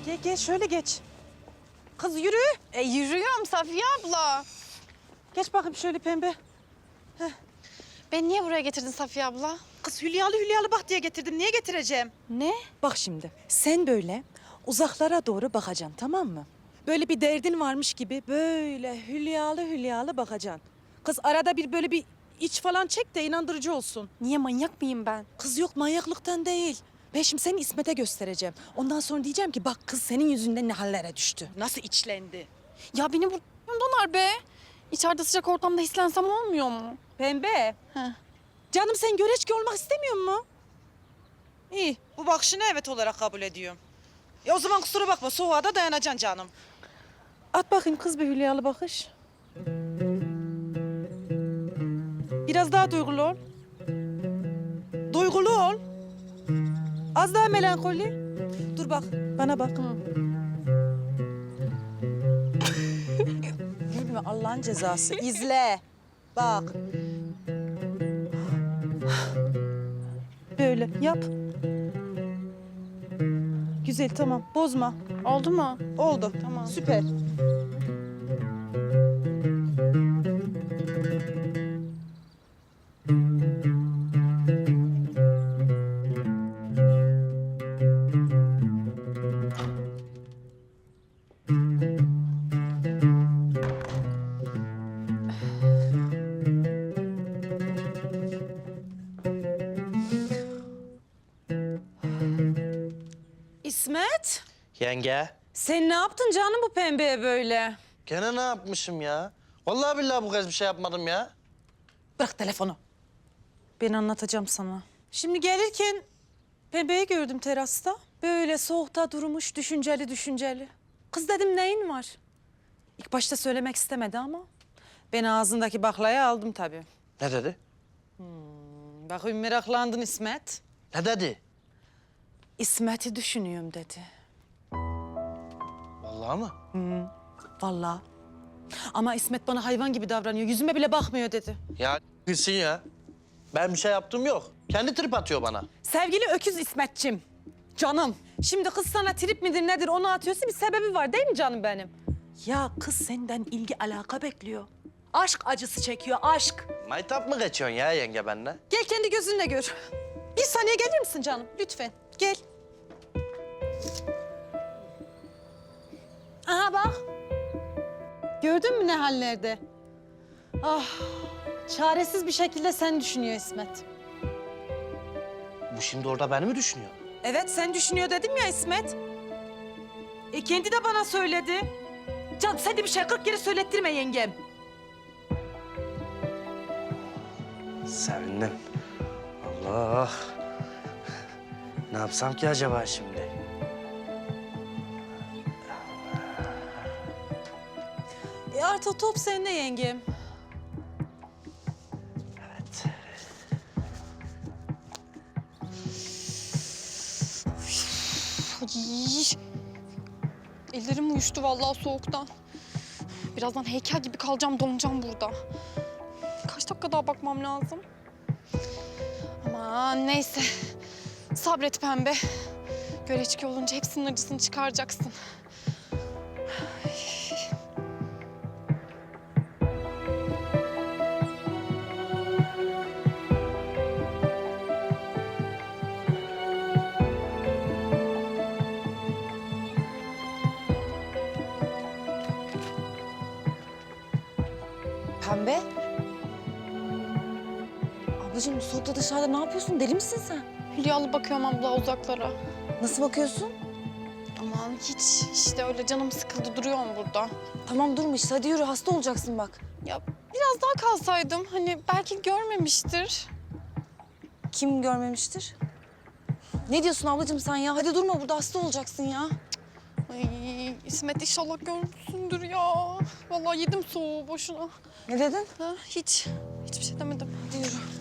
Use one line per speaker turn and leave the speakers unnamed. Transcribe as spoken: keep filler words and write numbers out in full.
Gel gel şöyle geç. Kız yürü.
E yürüyorum Safiye abla.
Geç bakayım şöyle pembe.
Beni niye buraya getirdin Safiye abla?
Kız hülyalı hülyalı bak diye getirdim. Niye getireceğim?
Ne?
Bak şimdi sen böyle uzaklara doğru bakacaksın, tamam mı? Böyle bir derdin varmış gibi böyle hülyalı hülyalı bakacaksın. Kız arada bir böyle bir iç falan çek de inandırıcı olsun.
Niye, manyak mıyım ben?
Kız yok, manyaklıktan değil. Ben şimdi seni İsmet'e göstereceğim. Ondan sonra diyeceğim ki bak kız senin yüzünden ne hallere düştü. Nasıl içlendi.
Ya beni buradan be. İçeride sıcak ortamda hislensem olmuyor mu?
Pembe.
Heh.
Canım sen göreçki olmak istemiyor mu? İyi. Bu bakışını evet olarak kabul ediyorum. E o zaman kusura bakma, soğuğa da dayanacaksın canım. At bakayım kız bir hülyalı bakış. Biraz daha duygulu ol. Duygulu ol. Az daha melankoli. Dur bak, bana bak. Gülme Allah'ın cezası. İzle. Bak. Böyle yap. Güzel, tamam. Bozma.
Oldu mu?
Oldu. Tamam. Süper. İsmet,
Yenge,
sen ne yaptın canım bu pembeye böyle?
gene ne yapmışım ya? Vallahi billahi bu kez bir şey yapmadım ya.
Bırak telefonu. Ben anlatacağım sana. Şimdi gelirken pembeyi gördüm terasta. Böyle soğukta durmuş, düşünceli düşünceli. Kız dedim neyin var? İlk başta söylemek istemedi ama ben ağzındaki baklayı aldım tabii.
Ne dedi?
Bakayım meraklandın İsmet.
Ne dedi?
İsmet'i düşünüyorum dedi.
Vallahi mı?
Vallahi. Ama İsmet bana hayvan gibi davranıyor. Yüzüme bile bakmıyor dedi.
Ya gitsin ya. Ben bir şey yaptım yok. Kendi trip atıyor bana.
Sevgili öküz İsmetçim. Canım. Şimdi kız sana trip midir nedir onu atıyorsa bir sebebi var değil mi canım benim? Ya kız senden ilgi alaka bekliyor. Aşk acısı çekiyor, aşk.
Maytap mı geçiyorsun ya yenge benimle?
Gel kendi gözünle gör. Bir saniye gelir misin canım? Lütfen. Gel. Aha bak. Gördün mü ne hallerde? Ah, çaresiz bir şekilde sen düşünüyor İsmet.
Bu şimdi orada beni mi düşünüyor?
Evet, sen düşünüyor dedim ya İsmet. E kendi de bana söyledi. Can sen de bir şey kırk kere söylettirme yengem.
Sevindim. Allah. Ne yapsam ki acaba şimdi?
E artık top sende yengem.
Evet.
Ay. Ellerim uyuştu vallahi soğuktan. Birazdan heykel gibi kalacağım, donacağım burada. Kaç dakika daha bakmam lazım? Aman neyse. Sabret pembe. Göreçki olunca hepsinin acısını çıkaracaksın.
Pembe. Ablacığım bu soğukta dışarıda ne yapıyorsun? Deli misin sen?
Hülyalı bakıyorum abla uzaklara.
Nasıl bakıyorsun?
Aman hiç işte öyle canım sıkıldı duruyorum burada.
Tamam durma işte hadi yürü hasta olacaksın bak.
Ya biraz daha kalsaydım hani belki görmemiştir.
Kim görmemiştir? Ne diyorsun ablacığım sen ya? Hadi durma burada hasta olacaksın ya.
Ay İsmet inşallah görmüşsündür ya. Vallahi yedim soğuğu boşuna.
Ne dedin?
Ha, hiç, hiçbir şey demedim.
Hadi yürü.